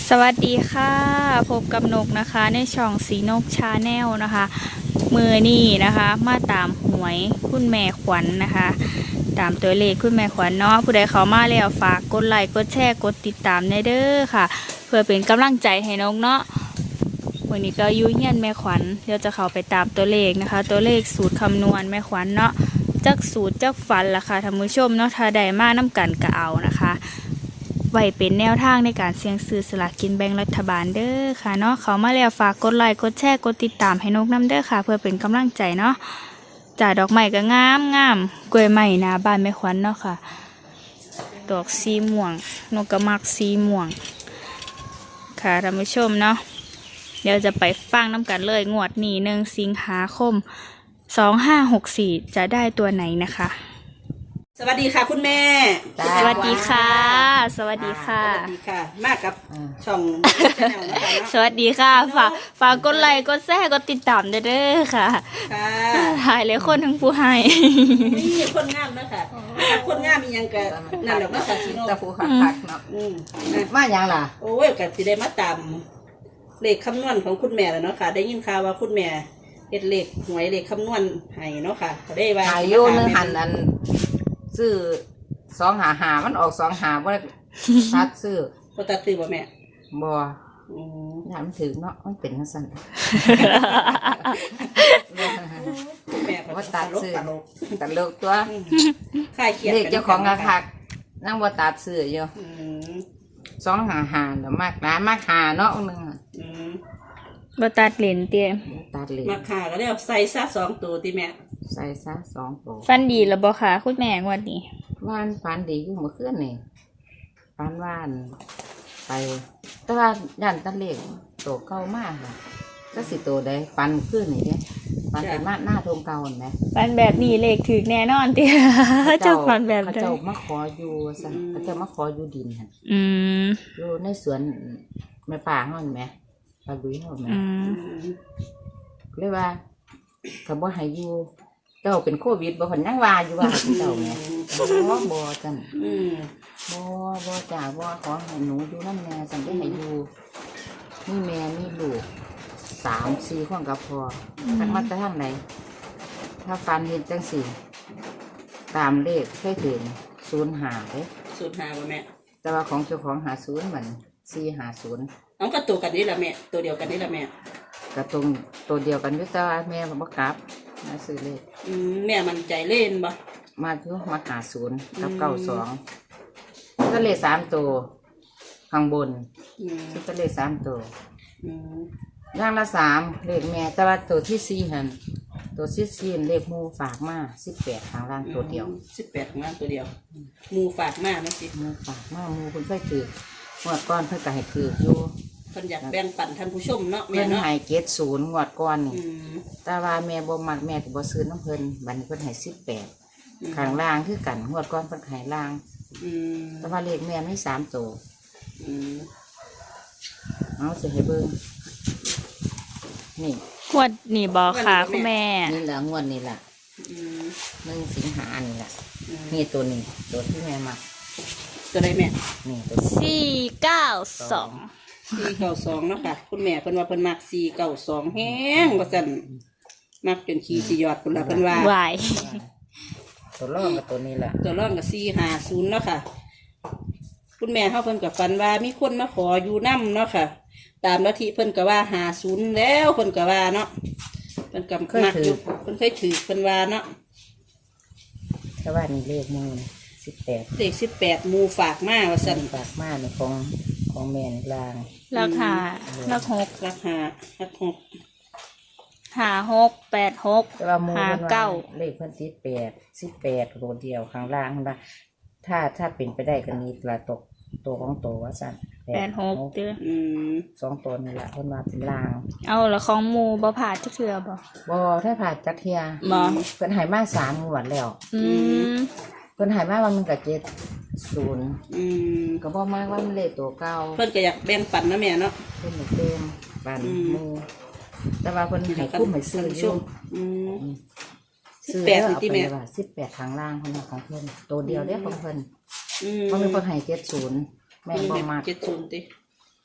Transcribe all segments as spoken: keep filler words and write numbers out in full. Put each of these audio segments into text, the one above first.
สวัสดีค่ะพบกับนกนะคะในช่องสีนกชาแนลนะคะมือนี่นะคะมาตามหวยคุณแม่ขวัญ น, นะคะตามตัวเลขคุณแม่ขวัญเนาะผู้ใดเขามาแล้วฝากกดไลค์กดแชร์กดติดตามในเด้อค่ะเพื่อเป็นกำลังใจให้นกเนาะวันนี้ก็ยุ่งเงียนแม่ขวัญเดี๋ยวจะเข้าไปตามตัวเลขนะคะตัวเลขสูตรคำนวณแม่ขวัญเนาะจักสูตรจักฟันล่ะค่ะท่านผู้ชมเนาะถ้าได้มาน้ำกันก็เอานะคะไว้เป็นแนวทางในการเสี่ยงซื้อสลากกินแบ่งรัฐบาลเด้อค่ะเนาะเขามาแล้วฝากกดไลค์กดแชร์กดติดตามให้นกน้ำเด้อค่ะเพื่อเป็นกำลังใจเนาะจ่าดอกไม้ก็งามงามกล้วยไม้หน้าบ้านแม่ขวัญเนาะค่ะดอกสีม่วงนกกระมักสีม่วงค่ะท่านผู้ชมเนาะเดี๋ยวจะไปฟังน้ำกันเลยงวดนี้หนึ่งสิงหาคมสองห้าหกสี่จะได้ตัวไหนนะคะสวัสดีค่ะคุณแม่สวัสดีค่ะสวัสดีค่ะสวัสดีค่ะมากับช่องสวัสดีค่ะฝากฝากกดไลค์กดแชร์กดติดตามเด้อค่ะค่ะถ่ายเลยคนทั้งผู้ให้นี่คนงามนะคะคนงามมียังกันนั่นแหละมาจากซีโนตะฟูหักหักเนาะมาอย่างล่ะโอ้ยกันสิได้มาตามเลขคำนวณของคุณแม่แล้วเนาะค่ะได้ยินข่าวว่าคุณแม่เฮ็ดเลขหวยเลขคำนวณให้เนาะค่ะได้ว่าอายุนึงหันอันซื้อสองหาหามันออกสองหาว่าตัดซื้อก็ตัดซื้อบ่แม่บ่อืมถามถึงเนาะมันเป็นจังซั่นแม่ว่าตัดซื้อตัดโลกตัวค่ายเขียนเด็กเจ้าของกระคักนั่งว่าตัดซื้ออยู่สองหาหาแล้วมากนะมากหาเนาะนึงอืมบ่ตัดเหรียญเตี้ยตัดเหรียญมากหาก็แล้วใส่ซะสองตัวติแม่ใส่ซะสองตัวฟันดีแล้วบ่ค่ะคุณแม่งวดนี้ว่านฟันดีอยู่เมื่อคืนนี่ฟันว่านไปแต่ว่าย่านตะเล็กโตเก่ามากค่ะก็สิโตได้ฟันขึ้นนี่เนี่ยฟันเป็นมาหน้าทงเก่าเห็นไหมฟันแบบนี้เลขถึกแน่นอนเตี้ยเจ้าฟันแบบเขาเจ้ามาขออยู่ซะเขาเจ้ามาขออยู่ดินค่ะอืมอยู่ในสวนแม่ป่าเขาเห็นไหมปลาดุยเขาเห็นไหมเรียกว่าเขาบ่ให้อยู่เจ้าเป็นโควิดบ่คนยังว่าอยู่ว่าเจ้าเนี่ยบ่บ่จังบ่บ่จ่าบ่ขอให้หนูอยู่น้ำแม่จังได้ให้อยู่มีแม่มีลูกสามสี่คนกับพ่อทั้งมาแต่ทางไหนถ้าฟันเห็นจังสี่ตามเลขเคยถึงศูนย์หาเด้ศูนย์หาบ่แม่แต่ว่าของเจ้าของหาศูนย์เหมือนสี่หาศูนย์น้องก็ตัวกันนี่แหละแม่ตัวเดียวกันนี่แหละแม่กระตรงตัวเดียวกันอยู่แต่ว่าแม่บ่กลับมาซื้อเลขอืมแม่มันใจเล่นบ่มาอยู่มาหาศูนย์กับเก้าสองก็เลขสามตัวข้างบนซึ่งก็เลขสามตัวย่างละสามเลขแม่แต่ว่าตัวที่สี่หันตัวที่สี่เลขมูฝากมาสิบแปดข้างล่างตัวเดียวสิบแปดข้างล่างตัวเดียวมูฝากมานะสิมูฝากมามูคุณค่อยถือหวดก้อนเพื่อจะให้ถืออยู่เพิ่นอยากแบ่งปันท่านผู้ชมเนาะแม่เนาะเพิ่นให้เกตศูนย์หวดก้อนนี่แต่ว่าแม่บ่มักแม่ก็บ่ซื้อน้ำเพิ่นบัดนี้เพิ่นให้สิบแปดข้างล่างคือกันหวดก้อนเพิ่นให้ล่างแต่ว่าเลขแม่ไม่สามตัวเอาสิให้เบิ่งนี่งวดนี่บ่ค่ะคุณแม่นี่แหละงวดนี่แหละหนึ่งสิงหานี่แหละนี่ตัวนี้ตัวที่แม่มักตัวใดแม่นี่ตัวสี่เก้าสองสี่เก้าสองเนาะค่ะคุณแม่เพิ่นว่าเพิ่นมักสี่เก้าสองแห้งว่าซั่นมักจนขี้สิยอดพุ่นล่ะเพิ่นว่าวายตัวรองกับตัวนี้แหละตัวรองกับสี่ห้าศูนย์เนาะค่ะคุณแม่เฮาเพิ่นก็ฝันว่ามีคนมาขออยู่นำเนาะค่ะตามลัทธิเพิ่นก็ว่าห้าศูนย์แล้วเพิ่นก็ว่าเนาะเพิ่นก็มักอยู่เพิ่นเคยถือเพิ่นว่าเนาะแต่ว่านี่เลขมูสิบแปดเลขสิบแปดมูฝากมาว่าซั่นฝากมาในของของแม่นลางราคาราคาหกราคาราคาหกห้าหกแปดหกห้าเก้าเลขเพิ่นติดแปดสิบแปดตัวเดียวข้างล่างนะถ้าถ้าเป็นไปได้ก็มีตัวตกตัวของตัวว่าสั่นแปดหกเด้อสองตัวนี่แหละเพิ่นมาเป็นล่างเอาแล้วของมูบ่ผ่าจักเทื่อบ่บ่ถ้าผ่าจักเทื่อบ่เพิ่นให้มาสามงวดแล้วอืมเพิ่นให้มาว่ามันก็เจ็ดศูนย์อืมก็บ่มากว่ามันเลขตัวเก่าเพิ่นก็อยากแบ่งปันนะแม่เนาะเพิ่นอยากเต็มปันมูแต่ว่าเพิ่นให้คุ้มให้ซื้ออยู่อืมสิบแปดที่แม่ว่าสิบแปดข้างล่างเพิ่นของเพิ่นตัวเดียวเด้ของเพิ่นอืมมันมีเพิ่นให้เจ็ดศูนย์แม่บ่มากเจ็ดศูนย์ติ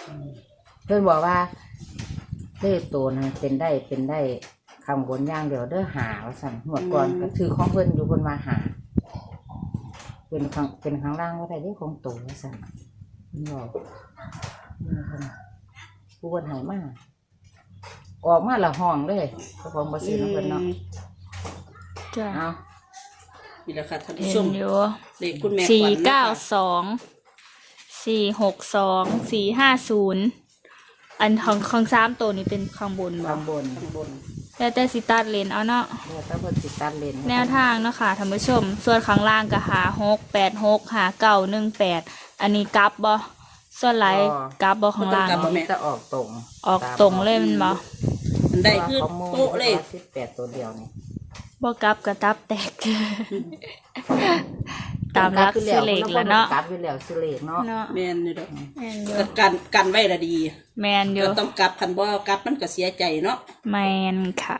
เพิ่นบอกว่าเลขตัวนะเป็นได้เป็นได้ข้างบนอย่างเดียวเด้อหาว่าสั่นหัวดก่อนก็ถือของเพิ่นอยู่เพิ่นมาหาเป็นข้างเป็นข้างล่างว่าได้เลขของตัวว่าสั่นเพิ่นบอกนี่เพิ่นผู้เพิ่นให้มาออกมาละห้องเลยเจ้าของบ่ซื้อน้ำเพิ่นเนาะจ้ะเอานี่แหละค่ะท่านผู้เห็ชนมอยู่เลขคุณแม่สี่ขวัญเก้านะคะสองสี่หกสองสี่ห้าศูนย์อันของของสามตัวนี้เป็นข้างบนบ่ข้างบนข้างบนแล้วแต่สิตัดเลนเอาเนาะแล้วถ้าเพิ่นสิตัดเลนแนวทางเนาะค่ะท่านผู้ชม ส่วนข้างล่างก็หาหกแปดหกหาเก้าหนึ่งแปดอันนี้กลับบ่ส่วนไหลายกลับบ่ข้างล่างมันจะออกตรงออกตรงเลยมันบ่มันได้คือของโมโต๊ะเลยสิบแปดตัวเดียวนี่บ่กลับก็ตับแตก ตามรักซื้อเลขแล้วเนาะกลับอยู่แล้วซื้อเลขเนาะเนาะแม่นนี่ดอกแม่นอยู่ก็กันกันไว้ละดีแมนอยู่ก็ต้องกลับคันบ่กลับมันก็เสียใจเนาะแมนค่ะ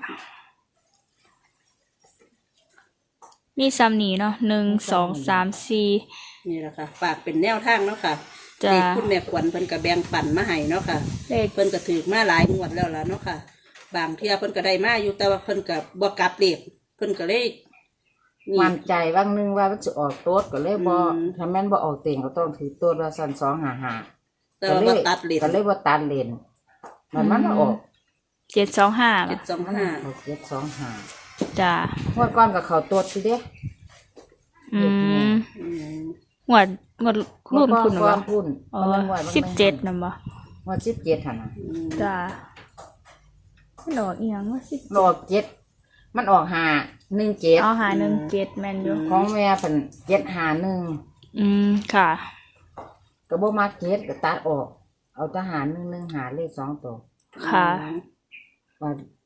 มีซ้ำนี้เนาะหนึ่งสองสามสี่นี่แหละค่ะ ฝากเป็นแนวทางเนาะค่ะจ้ะเลขคุณแม่ขวัญเพิ่นก็แบ่งปันมาให้เนาะค่ะเลขเพิ่นก็ถือมาหลายงวดแล้วล่ะเนาะค่ะ บางเที่ยเพิ่นก็ได้มาอยู่แต่ว่าเพิ่นก็บ่กลับเลขเพิ่นก็เลยนี่มั่นใจว่างนึงว่ามันจะออกโต๊ดก็เลยบ่อืมถ้าแม่นบ่ออกเต็งก็ต้องถือโต๊ดว่าสั่นสองหาหาแต่ว่าบ่ตัดเลขก็เลยบ่ตัดเลนมันมันออกเจ็ดสองห้าเจ็ดสองห้าออกเจ็ดสองหาจ้ะงวดก่อนกับเขาโต๊ดสิเด้อืมอืมหวดหวดรุ่นคุณงเหรวอดก่อนพุ่นอ๋อมันงวดมันสิบเจ็ดนะบ่งวดสิบเจ็ดหั่นน่ะอืมจ้ะมันออกอีหยังว่าสิบมันออกเจ็ดมันออกหาหนึ่งเจ็ดเอาหาหนึ่งเจ็ดแมนอยู่ของแม่เพิ่นเจ็ดหาหนึ่งอืมค่ะก็บ่มาเจ็ดก็ตัดออก เอาทหารหนึ่งหนึ่งหาเลขสองตัวค่ะว่า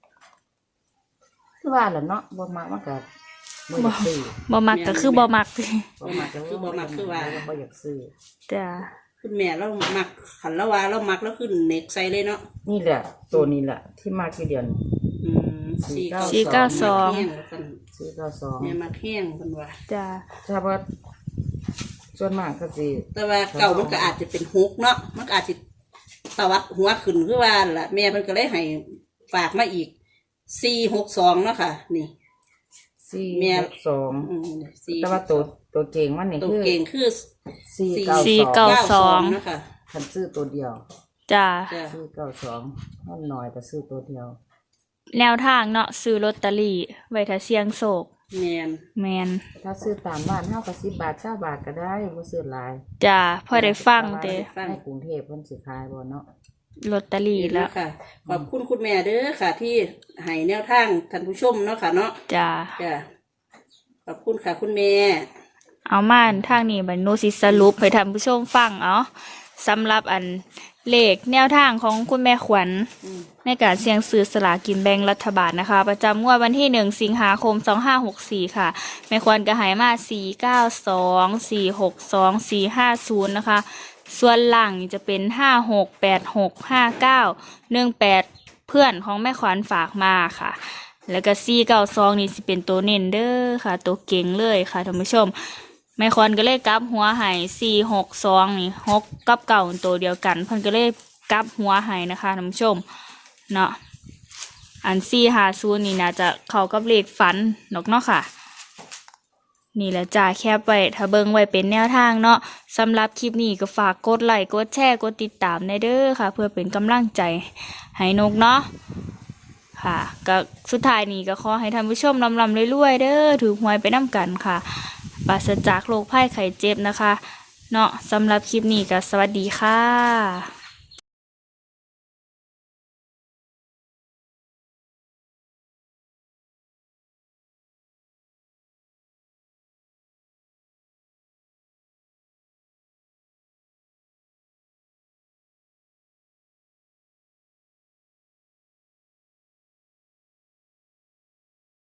คือว่าแหละเนาะบ่มักมันก็บ่อยากซื้อบ่มักก็คือบ่มักบ่มักก็บ่มักคือว่าบ่อยากซื้อจ้ะคุณแม่เรามักขันละว่าเรามักแล้วขึ้นเน็กใส่เลยเนาะนี่แหละ ตัวนี้แหละที่มากที่เดียวนี่อืมสี่สี่เก้าสี่เก้าสองแห้งแล้วกันซื้อก็สองแม่มักแห้งเพิ่นว่าจ้ะถ้าว่าส่วนมากก็สิแต่ว่าเก่ามันก็อาจจะเป็นฮุกเนาะมันก็อาจจะตวัดหัวขึ้นคือว่าล่ะแม่เพิ่นก็เลยให้ฝากมาอีกสี่หกสองเนาะค่ะ นี่สี่แม่หกสองอืมสี่แต่ว่าตัวตัวเก่งมันนี่ตัวคือเก่งคือสี่สี่เก้าเก้าสองสองเนาะค่ะคันซื้อตัวเดียวจ้ะจ้ะซื้อเก้าสองมันน้อยแต่ซื้อตัวเดียวแนวทางเนาะซื้อลอตเตอรี่ไว้ถ้าเสี่ยงโชคแม่นแมนถ้าซื้อตามบ้านเฮาก็สิบบาทเก้าบาทก็ได้บ่ซื้อหลายจ้ะพอได้ฟังเด้ในกรุงเทพเพิ่นสิขายบ่เนาะลอตเตอรี่นี่แล้แล้ว วค่ะ ขอบคุณคุณแม่เด้อค่ะ ที่ให้แนวทางท่านผู้ชมเนาะค่ะเนาะจ้ะจ้ะขอบคุณค่ะคุณแม่เอามาทางนี้บัดหนูสิสรุปให้ท่านผู้ชมฟังเอาสำหรับอันเลขแนวทางของคุณแม่ขวัญอืมในการเสี่ยงซื้อสลากกินแบ่งรัฐบาลนะคะ ประจำงวดวันที่หนึ่งสิงหาคมสองห้าหกสี่ค่ะ แม่ขวัญก็ใหายมาสี่เก้าสองสี่หกสองสี่ห้าศูนย์นะคะ ส่วนหลังนี่จะเป็นห้าหกแปดหกห้าเก้าหนึ่งแปดเพื่อนของแม่ขวัญฝากมาค่ะ แล้วก็สี่เก้าสองนี่สิเป็นตัวเน้นเด้อค่ะ ตัวเก่งเลยค่ะท่านผู้ชม แม่คอนก็เลยกลับหัวไห้สี่หกสองนี่หกกับเก่าตัวเดียวกันเพิ่นก็เลยกลับหัวไห้นะคะท่านผู้ชมเนาะอันสี่หาศูนย์นี่น่าจะเข้ากับเลขฝันนกเนาะค่ะ นี่แหละจ้าแคบไว้ถ้าเบิ่งไว้เป็นแนวทางเนาะสำหรับคลิปนี้ก็ฝากกดไลค์กดแชร์กดติดตามได้เด้อค่ะ เพื่อเป็นกำลังใจให้นกเนาะค่ะก็สุดท้ายนี้ก็ขอให้ท่านผู้ชมลำลำรวยๆเด้อถือหวยไปน้ำกันค่ะปราศจากโรคภัยไข้เจ็บนะคะ เนาะสำหรับคลิปนี้ก็สวัสดีค่ะ